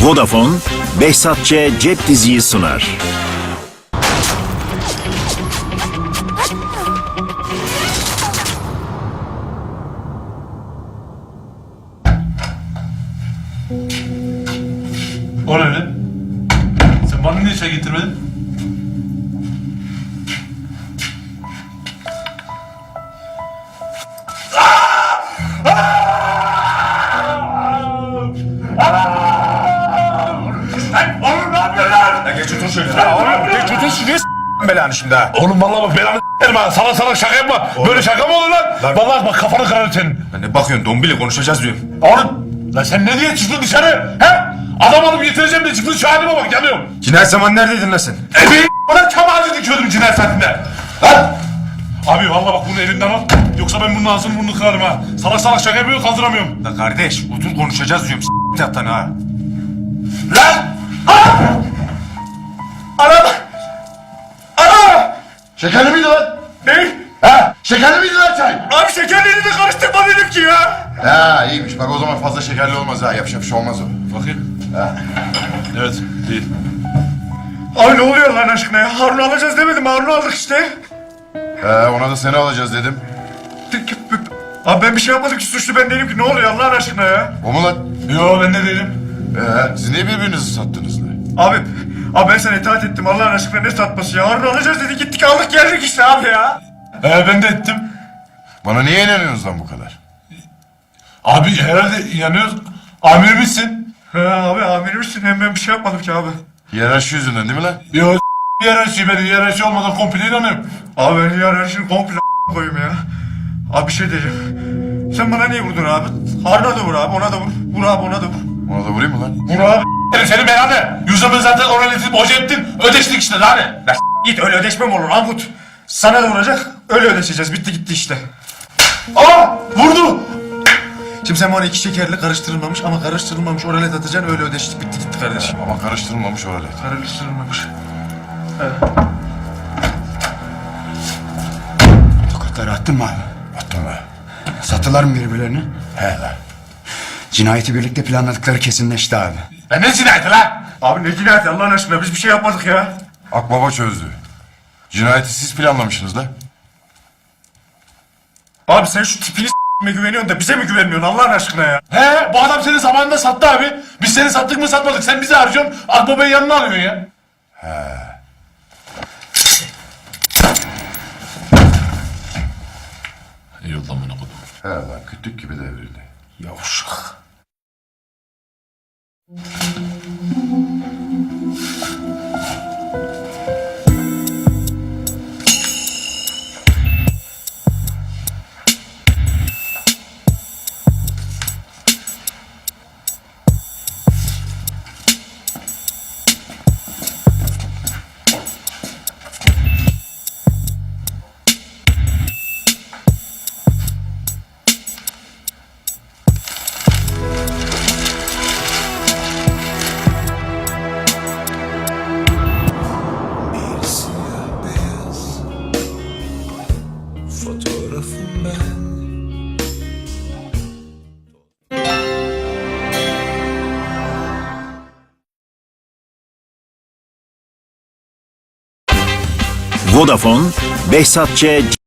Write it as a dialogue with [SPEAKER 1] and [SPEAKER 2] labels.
[SPEAKER 1] Vodafone, Behzat Ç. Cep Diziyi sunar.
[SPEAKER 2] O ne lan? Sen bana niye çay getirmedin? Lan oğlum ne yapıyorsun lan?
[SPEAKER 3] Ya geç otur şöyle. Ya oğlum geç otur şuraya belanı şimdi ha.
[SPEAKER 2] Oğlum vallahi bak belanı s**erim ha. Salak şaka yapma. Böyle şaka mı olur lan? Vallahi bak kafanı kırarım senin.
[SPEAKER 3] Ya ne bakıyorsun dombili konuşacağız diyorum.
[SPEAKER 2] Oğlum lan sen ne diye çıktın dışarı? He? Adam alıp getireceğim de çıktın şu halime bak yanıyorum.
[SPEAKER 3] Cinayet zamanı neredeydin lan sen?
[SPEAKER 2] Ebeğin bana çam ağacı dikiyordum cinayet saatinde. Lan! Abi vallahi bak bunu elinden al. Yoksa ben bunun ağzını burnunu kırarım ha. Salak şaka yapıyor kaldıramıyorum.
[SPEAKER 3] La kardeş otur konuşacağız diyorum s**t yattan ha.
[SPEAKER 2] Lan! Ah!
[SPEAKER 3] Ana! Ana! Şekerli miydi lan?
[SPEAKER 2] Ne?
[SPEAKER 3] Ha? Şekerli miydi lan çay?
[SPEAKER 2] Abi şekerleri de karıştırma dedim ki ya.
[SPEAKER 3] Ha iyiymiş bak o zaman fazla şekerli olmaz ha yapacak bir şey olmaz o.
[SPEAKER 2] Bakayım. Evet değil.
[SPEAKER 4] Abi ne oluyor lan aşkına ya? Harun'u alacağız demedim. Harun'u aldık işte.
[SPEAKER 3] Ona da seni alacağız dedim.
[SPEAKER 4] Abi ben bir şey yapmadım ki, suçlu ben değilim ki. Ne oluyor Allah'ın aşkına ya?
[SPEAKER 3] O mu lan?
[SPEAKER 2] Yo ben de değilim.
[SPEAKER 3] Siz niye birbirinizi sattınız lan?
[SPEAKER 4] Abi ben sana itaat ettim, Allah'ın aşkına ne satması ya? Harun'u alacağız dedi, gittik aldık geldik işte abi ya.
[SPEAKER 2] Ben de ettim.
[SPEAKER 3] Bana niye inanıyorsunuz lan bu kadar?
[SPEAKER 2] Abi herhalde inanıyoruz. Amirimizsin.
[SPEAKER 4] Abi amirimsin, hem ben bir şey yapmadım ki abi.
[SPEAKER 3] Hiyerarşi yüzünden değil mi lan?
[SPEAKER 2] Yo hiyerarşi ben hiyerarşi olmadan komple inanıyorum.
[SPEAKER 4] Abi ben hiyerarşini komple koyayım ya. Abi bir şey diyeceğim. Sen bana niye vurdun abi? Harun'a da vur abi, ona da vur. Vur abi, ona da vur.
[SPEAKER 3] Ona da vurayım mı lan?
[SPEAKER 4] Vur abi.
[SPEAKER 2] Senin belanı. Yüzümü zaten oraya etip hoca ettin. Ödeştik işte lan.
[SPEAKER 4] Ya git, öyle ödeşme mi olur Ankut? Sana da vuracak, öyle ödeşeceğiz. Bitti gitti işte.
[SPEAKER 2] Aa vurdu.
[SPEAKER 4] Şimdi sen bana iki şekerli karıştırılmamış ama karıştırılmamış oralet atacaksın, öyle ödeştik, bitti gitti kardeşim.
[SPEAKER 3] Ama karıştırılmamış oralet.
[SPEAKER 4] Karıştırılmamış.
[SPEAKER 5] Tokatları attın mı abi?
[SPEAKER 3] Attım be.
[SPEAKER 5] Sattılar mı birbirlerini?
[SPEAKER 3] He lan.
[SPEAKER 5] Cinayeti birlikte planladıkları kesinleşti abi.
[SPEAKER 2] Ya ne cinayeti lan?
[SPEAKER 4] Abi ne cinayeti Allah'ın aşkına, biz bir şey yapmadık ya.
[SPEAKER 3] Akbaba çözdü. Cinayeti siz planlamışsınız lan.
[SPEAKER 4] Abi sen şu tipini s**me güveniyorsun da bize mi güvenmiyorsun Allah'ın aşkına ya?
[SPEAKER 2] He bu adam seni zamanında sattı abi. Biz seni sattık mı satmadık. Sen bizi harcıyorsun. Akbabayı yanına alıyorsun ya. Yoldan bunu okudum.
[SPEAKER 3] He lan kütük gibi devrildi.
[SPEAKER 5] Yavşak.
[SPEAKER 6] Fotoğrafım ben.
[SPEAKER 1] Vodafone, Behzat Ç.